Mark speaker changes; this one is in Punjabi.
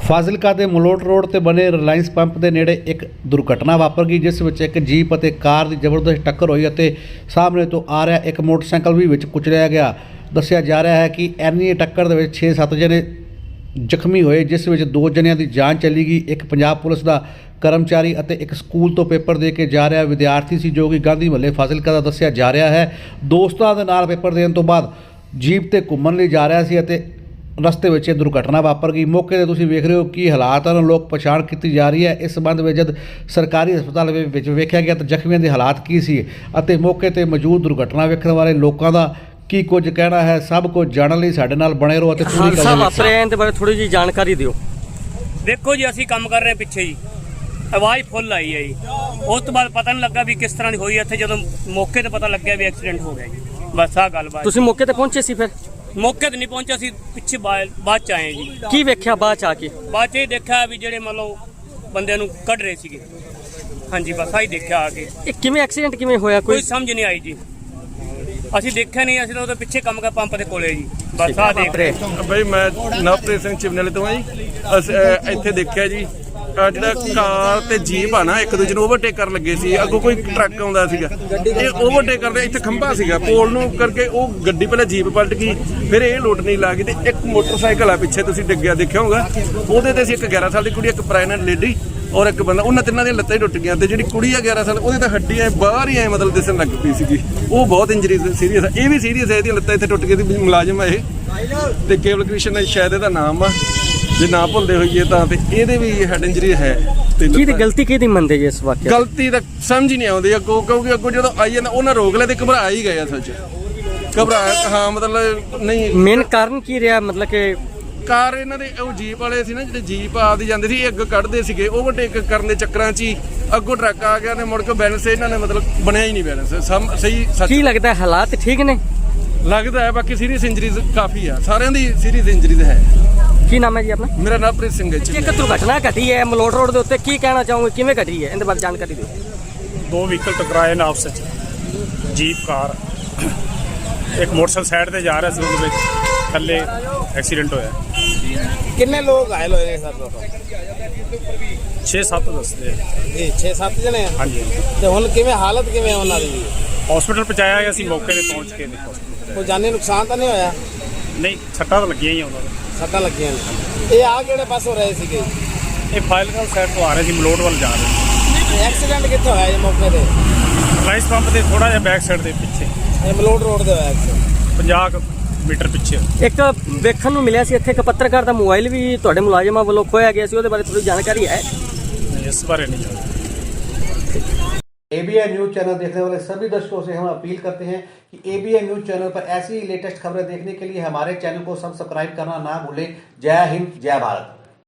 Speaker 1: ਫਾਜ਼ਿਲਕਾ ਦੇ ਮਲੋਟ ਰੋਡ ਤੇ ਬਣੇ ਰਿਲਾਇੰਸ ਪੰਪ ਦੇ ਨੇੜੇ ਇੱਕ ਦੁਰਘਟਨਾ ਵਾਪਰ ਗਈ, ਜਿਸ ਵਿੱਚ ਇੱਕ ਜੀਪ ਅਤੇ ਕਾਰ ਦੀ ਜ਼ਬਰਦਸਤ ਟੱਕਰ ਹੋਈ ਅਤੇ ਸਾਹਮਣੇ ਤੋਂ ਆ ਰਿਹਾ ਇੱਕ ਮੋਟਰਸਾਈਕਲ ਵੀ ਵਿੱਚ ਕੁਚਲਿਆ ਗਿਆ। ਦੱਸਿਆ ਜਾ ਰਿਹਾ ਹੈ ਕਿ ਇੰਨੀ ਟੱਕਰ ਦੇ ਵਿੱਚ 6-7 ਜਣੇ ਜ਼ਖਮੀ ਹੋਏ, ਜਿਸ ਵਿੱਚ 2 ਜਣਿਆਂ ਦੀ ਜਾਨ ਚਲੀ ਗਈ। ਇੱਕ ਪੰਜਾਬ ਪੁਲਿਸ ਦਾ ਕਰਮਚਾਰੀ ਅਤੇ ਇੱਕ ਸਕੂਲ ਤੋਂ ਪੇਪਰ ਦੇ ਕੇ ਜਾ ਰਿਹਾ ਵਿਦਿਆਰਥੀ ਸੀ, ਜੋ ਕਿ ਗਾਂਧੀ ਮਹੱਲੇ ਫਾਜ਼ਿਲਕਾ ਦਾ ਦੱਸਿਆ ਜਾ ਰਿਹਾ ਹੈ। ਦੋਸਤਾਂ ਦੇ ਨਾਲ ਪੇਪਰ ਦੇਣ ਤੋਂ ਬਾਅਦ ਜੀਪ ਤੇ ਘੁੰਮਣ ਲਈ ਜਾ ਰਿਹਾ ਸੀ ਅਤੇ ਰਸਤੇ ਵਿੱਚ ਇਹ ਦੁਰਘਟਨਾ ਵਾਪਰ ਗਈ। ਮੌਕੇ ਤੇ ਤੁਸੀਂ ਵੇਖ ਰਹੇ ਹੋ ਕੀ ਹਾਲਾਤ ਹਨ, ਲੋਕ ਪਛਾਣ ਕੀਤੀ ਜਾ ਰਹੀ ਹੈ। ਇਸ ਸੰਬੰਧ ਵਿੱਚ ਜਦ ਸਰਕਾਰੀ ਹਸਪਤਾਲ ਵਿੱਚ ਵੇਖਿਆ ਗਿਆ ਤਾਂ ਜ਼ਖਮੀਆਂ ਦੇ ਹਾਲਾਤ ਕੀ ਸੀ ਅਤੇ ਮੌਕੇ ਤੇ ਮੌਜੂਦ ਦੁਰਘਟਨਾ ਵੇਖਣ ਵਾਲੇ ਲੋਕਾਂ ਦਾ ਕੀ ਕੁਝ ਕਹਿਣਾ ਹੈ, ਸਭ ਕੁਝ ਜਾਣਨ ਲਈ ਸਾਡੇ ਨਾਲ ਬਣੇ ਰਹੋ ਅਤੇ ਪੂਰੀ
Speaker 2: ਹਾਦਸਾ ਵਾਪਰਿਆ ਇਹਦੇ ਬਾਰੇ ਥੋੜੀ ਜਿਹੀ ਜਾਣਕਾਰੀ ਦਿਓ।
Speaker 3: ਦੇਖੋ ਜੀ, ਅਸੀਂ ਕੰਮ ਕਰ ਰਹੇ ਪਿੱਛੇ ਜੀ, ਆਵਾਜ਼ ਫੁੱਲ ਆਈ ਹੈ ਜੀ। ਉਸ ਤੋਂ ਬਾਅਦ ਪਤਾ ਨਹੀਂ ਲੱਗਾ ਵੀ ਕਿਸ ਤਰ੍ਹਾਂ ਦੀ ਹੋਈ। ਇੱਥੇ ਜਦੋਂ ਮੌਕੇ ਤੇ ਪਤਾ ਲੱਗਿਆ ਵੀ ਐਕਸੀਡੈਂਟ ਹੋ ਗਿਆ ਜੀ। ਬਸ ਆਹ ਗੱਲਬਾਤ।
Speaker 2: ਤੁਸੀਂ ਮੌਕੇ ਤੇ ਪਹੁੰਚੇ ਸੀ? ਫਿਰ
Speaker 3: ਮੌਕੇ ਤੇ ਨਹੀਂ ਪਹੁੰਚਿਆ ਸੀ, ਪਿੱਛੇ ਬਾਅਦ ਚ ਆਏ ਜੀ।
Speaker 2: ਕੀ ਵੇਖਿਆ ਬਾਅਦ ਚ ਆ ਕੇ?
Speaker 3: ਬਾਅਦ ਚ ਇਹ ਦੇਖਿਆ ਵੀ ਜਿਹੜੇ ਮੰਨ ਲਓ ਬੰਦਿਆਂ ਨੂੰ ਕੱਢ ਰਹੇ ਸੀਗੇ। ਹਾਂਜੀ, ਬਸ ਆਹੀ ਦੇਖਿਆ ਆ ਕੇ।
Speaker 2: ਇਹ ਕਿਵੇਂ ਐਕਸੀਡੈਂਟ ਕਿਵੇਂ ਹੋਇਆ?
Speaker 3: ਕੋਈ ਸਮਝ ਨਹੀਂ ਆਈ ਜੀ। ਅਸੀਂ ਦੇਖਿਆ ਨਹੀਂ, ਅਸੀਂ ਤਾਂ ਉਹਦੇ ਪਿੱਛੇ ਕੰਮ ਕਰ ਪੰਪ ਦੇ ਕੋਲੇ ਜੀ। ਬਸ ਆਹ ਦੇਖ ਰਹੇ।
Speaker 4: ਬਈ ਮੈਂ ਨਵਪ੍ਰੀਤ ਸਿੰਘ ਚਿਵਨੇਲੇ ਤੋਂ ਆ ਜੀ। ਅਸੀਂ ਇੱਥੇ ਦੇਖਿਆ ਜੀ, ਜਿਹੜਾ ਕਾਰ ਤੇ ਜੀਪ ਆ ਨਾ, ਇੱਕ ਦੂਜੇ ਨੂੰ ਓਵਰਟੇਕ ਕਰਨ ਲੱਗੇ ਸੀ। ਅੱਗੋਂ ਕੋਈ ਟਰੱਕ ਆਉਂਦਾ ਸੀਗਾ, ਇਹ ਓਵਰਟੇਕ ਕਰਦੇ, ਇੱਥੇ ਖੰਭਾ ਸੀਗਾ ਪੋਲ ਨੂੰ ਕਰਕੇ, ਉਹ ਗੱਡੀ ਪਹਿਲਾਂ ਜੀਪ ਪਲਟ ਗਈ, ਫਿਰ ਇਹ ਲੋਟ ਨਹੀਂ ਲਾ ਗਈ ਤੇ ਇੱਕ ਮੋਟਰਸਾਈਕਲ ਆ ਪਿੱਛੇ, ਤੁਸੀਂ ਡਿੱਗਿਆ ਦੇਖਿਆ ਹੋਊਗਾ। ਉਹਦੇ ਤੇ ਸੀ ਇੱਕ 11 ਸਾਲ ਦੀ ਕੁੜੀ, ਇੱਕ ਪ੍ਰੈਗਨੈਂਟ ਲੇਡੀ ਔਰ ਇੱਕ ਬੰਦਾ। ਉਹਨਾਂ ਤਿੰਨਾਂ ਦੀਆਂ ਲੱਤਾਂ ਹੀ ਟੁੱਟ ਗਈਆਂ ਤੇ ਜਿਹੜੀ ਕੁੜੀ ਆ 11 ਸਾਲ, ਉਹਦੇ ਤਾਂ ਹੱਡੀਆਂ ਬਾਹਰ ਹੀ ਐ ਮਤਲਬ ਦਿਸਣ ਲੱਗ ਪਈ ਸੀਗੀ। ਉਹ ਬਹੁਤ ਇੰਜਰੀ ਸੀਰੀਅਸ ਆ, ਇਹ ਵੀ ਸੀਰੀਅਸ ਹੈ। ਇਹਦੀਆਂ ਲੱਤਾਂ ਇੱਥੇ ਟੁੱਟ ਗਈ ਸੀ। ਮੁਲਾਜ਼ਮ ਆ ਇਹ ਤੇ ਕੇਵਲ ਕ੍ਰਿਸ਼ਨ ਸ਼ਾਇਦ ਇਹਦਾ ਨਾਮ ਆ, ਜੇ ਨਾ ਭੁੱਲਦੇ ਹੋਈਏ ਤਾਂ। ਤੇ ਇਹਦੇ ਵੀ ਹੈਡ ਇੰਜਰੀ ਹੈ।
Speaker 2: ਕਿਹਦੀ ਗਲਤੀ ਕਿਹਦੀ ਮੰਨਦੇ ਜੀ ਇਸ ਵਾਕਿਆ?
Speaker 3: ਗਲਤੀ ਤਾਂ ਸਮਝ ਹੀ ਨਹੀਂ ਆਉਂਦੀ ਅੱਗੋਂ, ਕਿਉਂਕਿ ਅੱਗੋਂ ਜਦੋਂ ਆਈ ਜਾਂਦਾ ਉਹਨਾਂ ਰੋਕ ਲਿਆ ਤੇ ਘਬਰਾ ਹੀ ਗਏ ਅਸਲ 'ਚ। ਘਬਰਾਇਆ, ਹਾਂ, ਮਤਲਬ ਨਹੀਂ।
Speaker 2: ਮੇਨ ਕਾਰਨ ਕੀ ਰਿਹਾ? ਮਤਲਬ ਕਿ
Speaker 3: ਕਾਰ ਇਹਨਾਂ ਦੇ ਉਹ ਜੀਪ ਵਾਲੇ ਸੀ ਨਾ, ਜਿਹੜੇ ਜੀਪ ਆਪਦੀ ਜਾਂਦੇ ਸੀ, ਅੱਗ ਕੱਢਦੇ ਸੀਗੇ, ਓਵਰਟੇਕ ਕਰਨ ਦੇ ਚੱਕਰਾਂ 'ਚ ਹੀ ਅੱਗੋਂ ਟਰੱਕ ਆ ਗਿਆ ਤੇ ਮੁੜ ਕੇ ਬੈਲੈਂਸ ਇਹਨਾਂ ਨੇ ਮਤਲਬ ਬਣਿਆ ਹੀ ਨਹੀਂ ਬੈਲੈਂਸ ਸਹੀ।
Speaker 2: ਕੀ ਲੱਗਦਾ ਹਾਲਾਤ ਠੀਕ ਨੇ?
Speaker 3: ਲੱਗਦਾ ਹੈ, ਬਾਕੀ ਸੀਰੀਅਸ ਇੰਜਰੀਜ਼ ਕਾਫੀ ਆ, ਸਾਰਿਆਂ ਦੀ ਸੀਰੀਅਸ ਇੰਜਰੀਜ਼ ਹੈ।
Speaker 2: ਕੀ ਨਾਮ ਹੈ ਜੀ ਆਪਣਾ?
Speaker 3: ਮੇਰਾ ਨਵਪ੍ਰੀਤ ਸਿੰਘ ਹੈ ਜੀ।
Speaker 2: ਇੱਕ ਦੁਰਘਟਨਾ ਘਟੀ ਹੈ ਮਲੋਟ ਰੋਡ ਦੇ ਉੱਤੇ, ਕੀ ਕਹਿਣਾ ਚਾਹੋਗੇ, ਕਿਵੇਂ ਘਟੀ ਹੈ, ਇਹਦੇ ਬਾਰੇ ਜਾਣਕਾਰੀ ਦਿਓ।
Speaker 5: 2 ਵਹੀਕਲ ਟਕਰਾਏ ਨੇ ਆਪਸ ਵਿੱਚ, ਜੀਪ ਕਾਰ। ਇੱਕ ਮੋਟਰਸਾਈਕਲ ਸਾਈਡ ਤੇ ਜਾ ਰਿਹਾ ਸੀ, ਉਹਦੇ ਵਿੱਚ ਥੱਲੇ ਐਕਸੀਡੈਂਟ ਹੋਇਆ।
Speaker 6: ਕਿੰਨੇ ਲੋਕ ਘਾਇਲ ਹੋਏ ਨੇ ਸਰ?
Speaker 5: 6-7 ਦੱਸਦੇ
Speaker 6: ਜੀ 6-7 ਜਣੇ।
Speaker 5: ਹਾਂਜੀ।
Speaker 6: ਤੇ ਹੁਣ ਕਿਵੇਂ ਹਾਲਤ ਕਿਵੇਂ ਹੈ ਉਹਨਾਂ ਦੀ?
Speaker 5: ਹਸਪੀਟਲ ਪਹੁੰਚਾਇਆ ਗਿਆ, ਅਸੀਂ ਮੌਕੇ ਤੇ ਪਹੁੰਚ ਕੇ
Speaker 6: ਕੋਈ ਜਾਨੀ ਨੁਕਸਾਨ ਤਾਂ ਨਹੀਂ ਹੋਇਆ?
Speaker 5: ਨਹੀਂ, ਸੱਟਾਂ ਤਾਂ ਲੱਗੀਆਂ ਹੀ ਆ ਉਹਨਾਂ ਨੂੰ।
Speaker 6: ਸੱਟਾਂ ਲੱਗੀਆਂ ਨੇ। ਇਹ ਆ ਕਿਹੜੇ ਪਾਸੋਂ ਰਹੇ ਸੀਗੇ?
Speaker 5: ਇਹ ਫਾਜ਼ਿਲਕਾ ਸਾਈਡ ਤੋਂ ਆ ਰਹੇ ਸੀ, ਮਲੋਟ ਵੱਲ ਜਾ ਰਹੇ ਸੀ।
Speaker 6: ਐਕਸੀਡੈਂਟ ਕਿੱਥੇ ਹੋਇਆ ਜੀ ਮੌਕੇ ਤੇ?
Speaker 5: ਰਿਲਾਇੰਸ ਪੰਪ ਦੇ ਥੋੜਾ ਜਿਹਾ ਬੈਕ ਸਾਈਡ ਦੇ ਪਿੱਛੇ,
Speaker 6: ਇਹ ਮਲੋਟ ਰੋਡ ਦੇ ਹੋਇਆ ਐਕਸੀਡੈਂਟ।
Speaker 5: 50 ਮੀਟਰ ਪਿੱਛੇ।
Speaker 2: ਇੱਕ ਵੇਖਣ ਨੂੰ ਮਿਲਿਆ ਸੀ ਇੱਥੇ ਇੱਕ ਪੱਤਰਕਾਰ ਦਾ ਮੋਬਾਈਲ ਵੀ ਤੁਹਾਡੇ ਮੁਲਾਜ਼ਮਾਂ ਵੱਲੋਂ ਖੋਇਆ ਗਿਆ ਸੀ, ਉਹਦੇ ਬਾਰੇ ਥੋੜੀ ਜਾਣਕਾਰੀ ਹੈ?
Speaker 5: ਇਸ ਬਾਰੇ नहीं जानते।
Speaker 1: ABN न्यूज़ चैनल देखने वाले सभी दर्शकों से हम अपील करते हैं कि ABN न्यूज़ चैनल पर ऐसी लेटेस्ट खबरें देखने के लिए हमारे चैनल को सब्सक्राइब करना ना भूलें। जय हिंद, जय भारत।